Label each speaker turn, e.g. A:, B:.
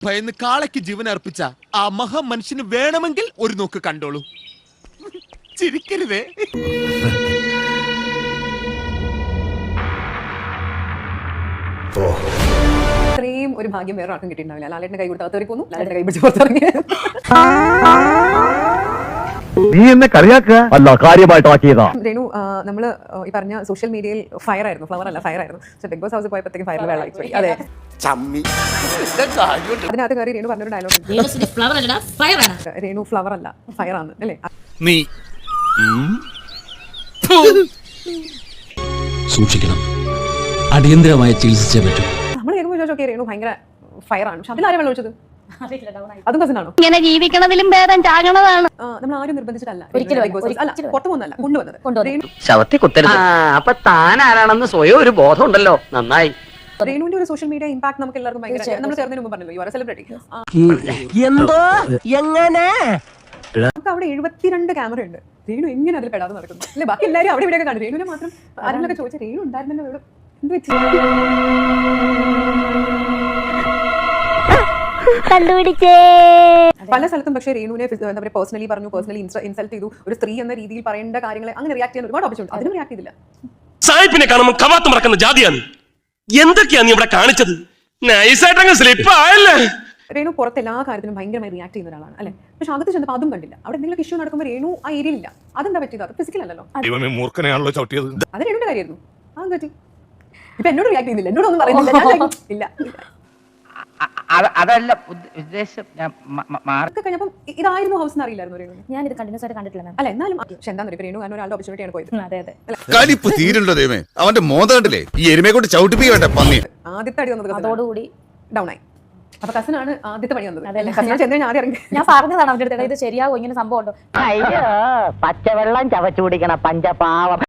A: ഭയന്ന് കാളയ്ക്ക് ജീവൻ അർപ്പിച്ച ആ മഹാമനുഷ്യന് വേണമെങ്കിൽ ഒരു നോക്ക് കണ്ടോളൂ. ചിരിക്കരുതേ.
B: ഇത്രയും ഒരു ഭാഗ്യം വേറെ ആർക്കും കിട്ടിയിട്ടുണ്ടാവില്ല. ലാലേട്ടന്റെ കൈ കൊടുത്ത് അകത്തേക്ക് പോന്നു, ലാലേട്ടന്റെ കൈ പിടിച്ച് പുറത്തിറങ്ങി.
C: നീ എന്നെ കളിയാക്കുക അല്ല, കാര്യമായിട്ടാക്കിയതാ.
B: രേണു, നമ്മള് ഈ പറഞ്ഞ സോഷ്യൽ മീഡിയയിൽ ഫയർ ആയിരുന്നു, ഫ്ലവർ അല്ല ഫയർ ആയിരുന്നു. ബിഗ് ബോസ് ഹൗസിൽ പോയപ്പോഴത്തേക്കും ഫയറിൽ വെള്ളമായി പോയി. അതെ, അതിനകത്ത് കയറി രേണു പറഞ്ഞൊരു ഡയലോഗ്, രേണു ഫ്ലവർ അല്ല ഫയർ ആണ് അല്ലേ?
A: നീ
D: സൂക്ഷിക്കണം, അടിയന്തരമായി ചികിത്സിച്ചേ പറ്റൂ.
B: നമ്മൾ കേൾക്കുമ്പോൾ ചോദിച്ചോക്കെ രേണു ഭയങ്കര ഫയർ ആണ്, പക്ഷെ അതിലാരും വെള്ളം ഒഴിച്ചത്? അതും കസിനാണോ?
E: ഇങ്ങനെ ജീവിക്കണതിലും ഭേദം ചാകണതാണ്.
B: നമ്മൾ ആരും നിർബന്ധിച്ചിട്ടല്ല,
E: ഒരിക്കലും
B: പുറത്തു പോകുന്നല്ല, കൊണ്ടുവന്നത്.
F: ശവത്തി കുത്തരുത്. അപ്പൊ താൻ ആരാണെന്ന് സ്വയം ഒരു ബോധം ഉണ്ടല്ലോ, നന്നായി.
B: രേണുവിന്റെ ഒരു സോഷ്യൽ മീഡിയ ഇമ്പാക്ട് നമുക്ക് എല്ലാവർക്കും ഭയങ്കര, നമ്മൾ ചേർന്നതിന് മുമ്പ് പറഞ്ഞല്ലോ, യു ആർ എ സെലിബ്രിറ്റി.
F: എന്തോ എങ്ങനെ
B: നമുക്ക് അവിടെ 72 ക്യാമറ ഉണ്ട്. രേണു എങ്ങനെ അതിൽ പെടാതെ നടക്കുന്നു അല്ലെ? ബാക്കി എല്ലാവരും അവിടെ ഇവിടെയൊക്കെ കണ്ടു, രേണുവിനെ മാത്രം ആരെങ്കിലൊക്കെ ചോദിച്ച രേണു ഉണ്ടായിരുന്നല്ലോ ഇവിടെ എന്ത് വെച്ചു
E: കണ്ടുപിടിച്ചേ.
B: പല സ്ഥലത്തും പക്ഷേ രേണുവിനെ എന്താ പറയുക, പേഴ്സണലി പറഞ്ഞു, പേഴ്സണലി ഇൻസൾട്ട് ചെയ്തു. ഒരു സ്ത്രീ എന്ന രീതിയിൽ പറയേണ്ട കാര്യങ്ങളെ അങ്ങനെ റിയാക്ട് ചെയ്യാൻ ഒരുപാട് ഓപ്ഷൻ ഉണ്ട്, അതിനും റിയാക്ട് ചെയ്തില്ല.
G: സായിപ്പിനെ കാണുമ്പോൾ കവാത്ത് മറക്കുന്ന ജാതിയാണ്. എന്തൊക്കെയാ നീ ഇവിടെ കാണിച്ചത്? നൈസായിട്ടങ്ങ് സ്ലിപ്പ് ആയല്ലേ.
B: രേണു പുറത്ത് എല്ലാ കാര്യത്തിലും ഭയങ്കരമായി റിയാക്ട് ചെയ്യുന്ന ഒരാളാണ് അല്ലെ? പക്ഷെ അകത്ത് ചെന്നപ്പോൾ അതും കണ്ടില്ല. അവിടെ എന്തെങ്കിലും ഇഷ്യൂ നടക്കുമ്പോൾ രേണു ആ ഏരിയയിലില്ല. അതെന്താ പറ്റിയത്? അത് ഫിസിക്കൽ അല്ലല്ലോ,
A: മൂർഖനെയാണല്ലോ ചവിട്ടിയത്.
B: അത് രേണുവിന്റെ കാര്യമായിരുന്നു. അതെന്താ പറ്റി? ഇപ്പൊ എന്നോട് റിയാക്ട് ചെയ്യുന്നില്ല, എന്നോടൊന്നും പറയുന്നില്ല. ഇല്ല
F: അതല്ല ഉദ്ദേശം.
B: കഴിഞ്ഞപ്പം ഇതായിരുന്നു ഹൗസ് എന്ന് അറിയില്ലായിരുന്നു രേണു.
E: ഞാൻ ഇത് കണ്ടിന്യൂസ് ആയിട്ട് കണ്ടിട്ടില്ല മാം.
B: അല്ല എന്നാലും പക്ഷെ എന്താ രേണു കാരണം ഒരാളുടെ ഓപ്പർച്യൂണിറ്റിയാണ് പോയത്.
E: അതെ അതെ,
H: കലിപ്പ് തീരുണ്ടോ ദൈവമേ? അവന്റെ മോന്ത കണ്ടില്ലേ? ഈ എരുമയെ കൊണ്ട് ചവിട്ടിപ്പിക്കട്ടെ പന്നി.
B: ആദ്യത്തെ അടി വന്നത്
E: അതോടുകൂടി
B: ഡൗൺ ആയി. അപ്പൊ കസിനാണ് ആദ്യത്തെ പണി വന്നത്. കസിനാണ് ചെന്ന് ഞാൻ ആദ്യം ഇറങ്ങി.
E: ഞാൻ പറഞ്ഞതാണ് അവരുടെ അടുത്ത്, ഇത് ശരിയാവും, ഇങ്ങനെ സംഭവം ഉണ്ടോ?
F: പച്ചവെള്ളം ചവച്ചു കുടിക്കണ പഞ്ചപാവം.